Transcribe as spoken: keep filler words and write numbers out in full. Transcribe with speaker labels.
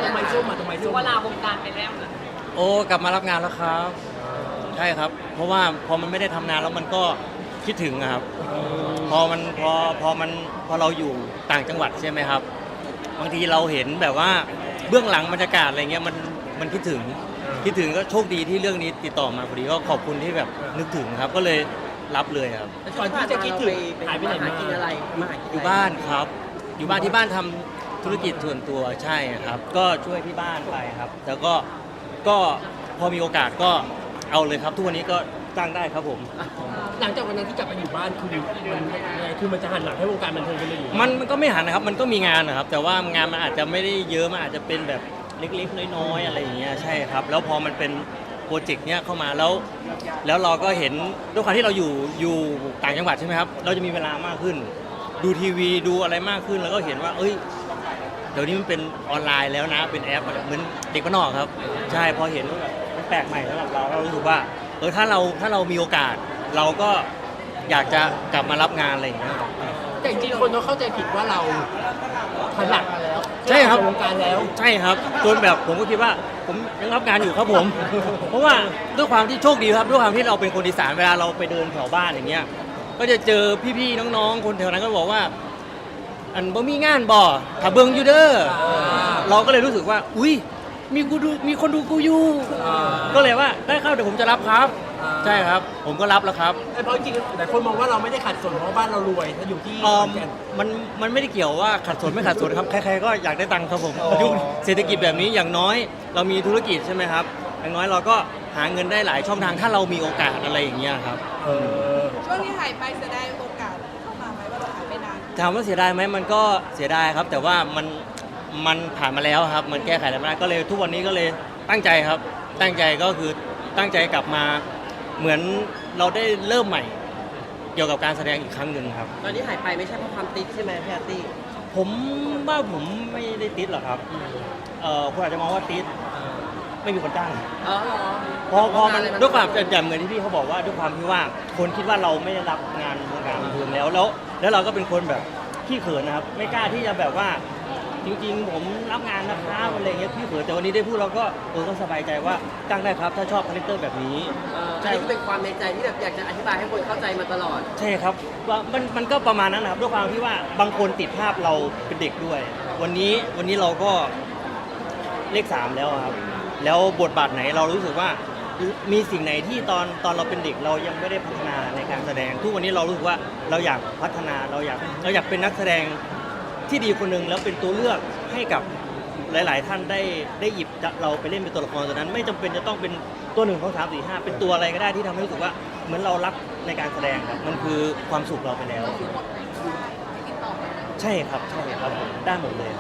Speaker 1: ทำไมส้มอ่ะทำไมส้ม
Speaker 2: ว่าลาวงการไปแล้วนะ
Speaker 3: โอ้กลับมารับงานแล้วครับใช่ครับเพราะว่าพอมันไม่ได้ทำงานแล้วมันก็คิดถึงอะครับพอมันพอพอมันพอเราอยู่ต่างจังหวัดใช่ไหมครับบางทีเราเห็นแบบว่าเบื้องหลังบรรยากาศอะไรเงี้ยมันมันคิดถึงคิดถึงก็โชคดีที่เรื่องนี้ติดต่อมาพอดีก็ขอบคุณที่แบบนึกถึงครับก็เลยรับเลยครับ
Speaker 1: ก่อนที่จะคิดถึงหายไปไหนมากินอะไรมา
Speaker 3: อยู่บ้านครับ อยู่บ้านที่บ้านทำธุรกิจส่วนตัวใช่ครับ ก็ช่วยที่บ้านไปครับแล้วก็ก็พอมีโอกาสก็เอาเลยครับทุกวันนี้ก็จ้างได้ครับผม
Speaker 1: หลังจากวันนั้นที่กลับไปอยู่บ้านคือมันคือมันจะหันหลังให้วงการบันเทิงกันเลยอยู่
Speaker 3: มันมันก็ไม่หันนะครับมันก็มีงานนะครับ แต่ว่างานมันอาจจะไม่ได้เยอะมันอาจจะเป็นแบบเล็กๆน้อยๆอะไรอย่างเงี้ยใช่ครับแล้วพอมันเป็นโปรเจกต์เนี้ยเข้ามาแล้ว แล้วเราก็เห็นด้วยความที่เราอยู่อยู่ต่างจังหวัดใช่ไหมครับเราจะมีเวลามากขึ้น ดูทีวีดูอะไรมากขึ้นแล้วก็เห็นว่าเอ้ยเดี๋ยวนี้มันเป็นออนไลน์แล้วนะเป็นแอปเหมือนเด็กบ้านนอกครับใช่พอเห็นว่าแบบมันแปลกใหม่สำหรับเราเรารู้สึกว่าเออถ้าเราถ้าเรามีโอกาส เราก็อยากจะกลับมารับงานอะไรอย่างเงี้ย
Speaker 1: แต่จริงๆคนเขาเข้าใจผิดว่าเราหันหลังมาแล้ว
Speaker 3: ใช่ครับ
Speaker 1: วงการแล้ว
Speaker 3: ใช่ครับจนแบบผมก็คิดว่าผมยังรับงานอยู่ครับผม เพราะว่าด้วยความที่โชคดีครับด้วยความที่เราเป็นคนอีสานเวลาเราไปเดินแถวบ้านอย่างเงี้ยก็จะเจอพี่ๆน้องๆคนแถวนั้นก็บอกว่า อันบ่มีงานบ่ถ้าเบิ่งอยู่เด้อเราก็เลยรู้สึกว่าอุ้ยมีกูดูมีคนดูกูอยู่ก็เลยว่าได้เข้าเดี๋ยวผมจะรับครับใช่ครับ ผมก็รับแล้วครับ
Speaker 1: แต่เพราะจริงๆหลายคนมองว่าเราไม่ได้ขัดสนเพราะบ้านเรารวยถ้าอยู่ที่
Speaker 3: เออมันมันไม่ได้เกี่ยวว่าขัดสนไม่ขัดสนครับใครๆก็อยากได้ตังค์ครับผมยุคเศรษฐกิจแบบนี้อย่างน้อยเรามีธุรกิจใช่ไหมครับอย่างน้อยเราก็หาเงินได้หลายช่องทางถ้าเรามีโอกาสอะไรอย่างเงี้ยครับ
Speaker 1: เออ
Speaker 4: ช่วงที่หายไปจะได้โอกาสเข้ามาไหมว่าเราหายไปนาน
Speaker 3: ถามว่าเสียดายไหมมันก็เสียดายครับ แต่ว่ามันมันผ่านมาแล้วครับ มันแก้ไขอะไรไม่ได้ก็เลยทุกวันนี้ก็เลยตั้งใจครับ ตั้งใจก็คือตั้งใจกลับมาเหมือนเราได้เริ่มใหม่ เกี่ยวกับการแสดงอีกครั้งหนึ่งครับ
Speaker 2: ตอนที่หายไปไม่ใช่เพราะความติดใช่ไหมพี่อาร์ตี้
Speaker 3: ผมว่าผมไม่ได้ติดหรอกครับเอ่อคุณอาจจะมองว่าติดไม่มีคนจ้าง
Speaker 2: อ๋อเหรอ
Speaker 3: พอพอมันด้วยความอย่างเหมือนที่พี่เขาบอกว่าด้วยความที่ว่าคนคิดว่าเราไม่ได้รับงานวงการบันเทิงแล้วแล้ว แล้วเราก็เป็นคนแบบขี้เขินนะครับ ไม่กล้าที่จะแบบว่าจริงๆ ผมรับงานนะครับอะไรเงี้ยพี่เขินแต่วันนี้ได้พูดเราก็เออก็สบายใจว่าจ้างได้ครับถ้าชอบคาแรคเตอร์แบบนี้
Speaker 2: ใช่ที่เป็นความในใจที่แบบอยากจะอธิบายให้คนเข้าใจมาตลอด
Speaker 3: ใช่ครับว่ามันมันก็ประมาณนั้นนะครับด้วยความที่ว่าบางคนติดภาพเราเป็นเด็กด้วย วันนี้วันนี้เราก็เลขสามแล้วครับ แล้วบทบาทไหนเรารู้สึกว่ามีสิ่งไหนที่ตอนตอนเราเป็นเด็กเรายังไม่ได้พัฒนาในการแสดง ทุกวันนี้เรารู้สึกว่าเราอยากพัฒนาเราอยากเราอยากเป็นนักแสดงที่ดีคนหนึ่งแล้วเป็นตัวเลือกให้กับหลาย ๆ ท่านได้ได้หยิบเราไปเล่นเป็นตัวละครตัวนั้น ไม่จำเป็นจะต้องเป็นตัวหนึ่งของสามสี่ห้าเป็นตัวอะไรก็ได้ที่ทำให้รู้สึกว่าเหมือนเรารักในการแสดงครับมันคือความสุขเราไปแล้ว ใช่ครับใช่ครับได้หมดเลย